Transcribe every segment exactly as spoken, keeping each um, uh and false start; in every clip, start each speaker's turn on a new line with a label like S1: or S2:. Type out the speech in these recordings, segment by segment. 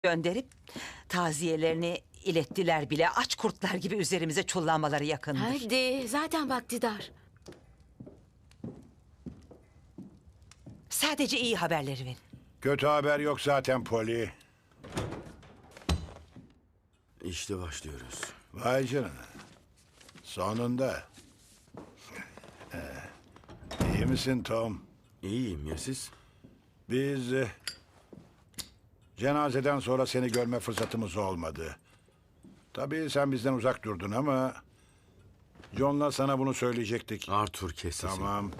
S1: gönderip taziyelerini ilettiler bile. Aç kurtlar gibi üzerimize çullanmaları yakındır.
S2: Hadi, zaten vakti dar.
S1: Sadece iyi haberleri verin.
S3: Kötü haber yok zaten Polly.
S4: İşte başlıyoruz.
S3: Vay canına. Sonunda. İyi misin Tom?
S4: İyiyim ya siz?
S3: Biz e, cenazeden sonra seni görme fırsatımız olmadı. Tabii sen bizden uzak durdun ama John'la sana bunu söyleyecektik.
S4: Arthur kes sesini.
S3: Tamam.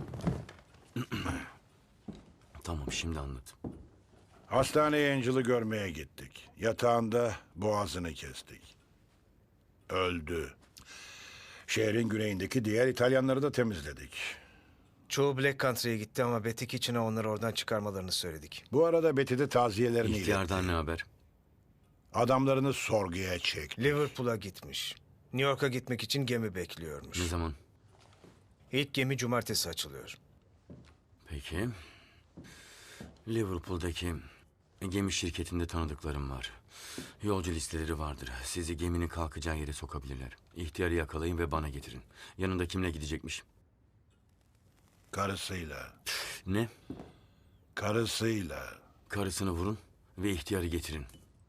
S4: Tamam şimdi anlat.
S3: Hastaneye Angel'ı görmeye gittik. Yatağında boğazını kestik. Öldü. Şehrin güneyindeki diğer İtalyanları da temizledik.
S5: Çoğu Black Country'ye gitti ama Betty Kitchen'e onları oradan çıkarmalarını söyledik.
S3: Bu arada Betty de taziyelerini
S4: İhtiyardan
S3: iletti.
S4: ne haber?
S3: Adamlarını sorguya çekti.
S5: Liverpool'a gitmiş. New York'a gitmek için gemi bekliyormuş.
S4: Ne zaman?
S5: İlk gemi cumartesi açılıyor.
S4: Peki. Liverpool'daki gemi şirketinde tanıdıklarım var. Yolcu listeleri vardır. Sizi geminin kalkacağı yere sokabilirler. İhtiyarı yakalayın ve bana getirin. Yanında kimle gidecekmiş?
S3: Karısıyla.
S4: Ne?
S3: Karısıyla.
S4: Karısını vurun ve ihtiyarı getirin.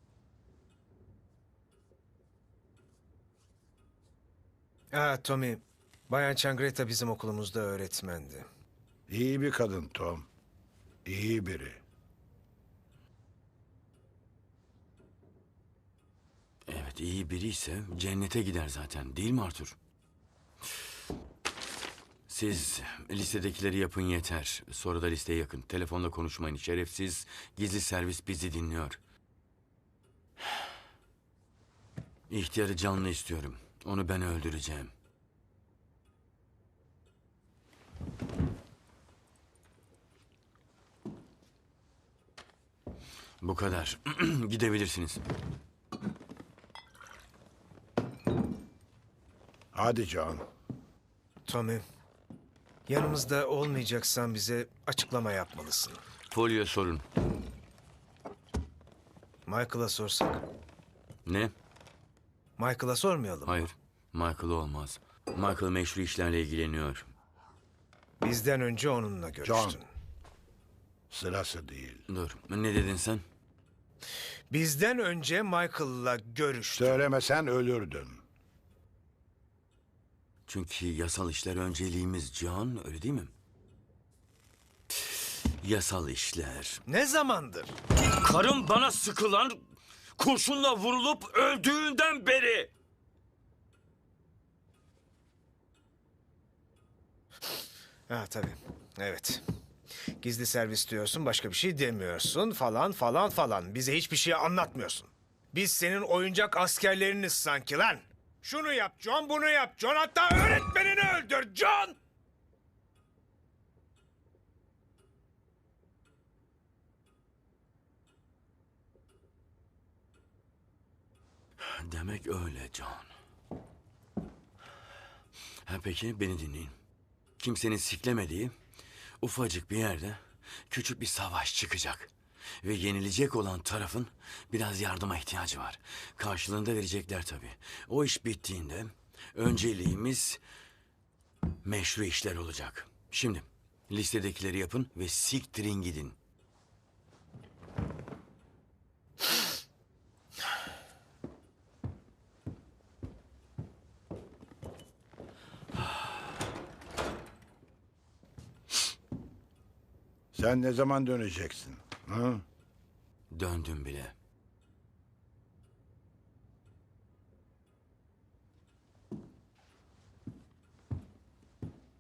S5: Ha Tommy, Bayan Changreta bizim okulumuzda öğretmendi.
S3: İyi bir kadın Tom. İyi biri.
S4: Evet iyi biri ise cennete gider zaten değil mi Arthur? Siz listedekileri yapın yeter. Sonra da listeye yakın. Telefonla konuşmayın. Şerefsiz gizli servis bizi dinliyor. İhtiyarı canlı istiyorum. Onu ben öldüreceğim. Bu kadar. Gidebilirsiniz.
S3: Hadi John.
S5: Tommy, yanımızda olmayacaksan bize açıklama yapmalısın.
S4: Folyo sorun.
S5: Michael'a sorsak.
S4: Ne?
S5: Michael'a sormayalım.
S4: Hayır. Michael olmaz. Michael meşru işlerle ilgileniyor.
S5: Bizden önce onunla görüştün.
S3: John. Sırası değil.
S4: Dur. Ne dedin sen?
S5: Bizden önce Michael'la görüştün.
S3: Söylemesen ölürdün.
S4: Çünkü yasal işler önceliğimiz Can, öyle değil mi? Yasal işler.
S5: Ne zamandır?
S4: Karım bana sıkılan, kurşunla vurulup öldüğünden beri.
S5: Ha tabii. Evet. Gizli servis diyorsun, başka bir şey demiyorsun falan falan falan. Bize hiçbir şey anlatmıyorsun. Biz senin oyuncak askerleriniz sanki lan. Şunu yap John, bunu yap John, hatta öğretmenini öldür John!
S4: Demek öyle Can. Ha peki beni dinleyin. Kimsenin siklemediği ufacık bir yerde küçük bir savaş çıkacak. Ve yenilecek olan tarafın biraz yardıma ihtiyacı var. Karşılığında verecekler tabii. O iş bittiğinde önceliğimiz meşru işler olacak. Şimdi listedekileri yapın ve siktirin gidin.
S3: Sen ne zaman döneceksin? Hı?
S4: Döndüm bile.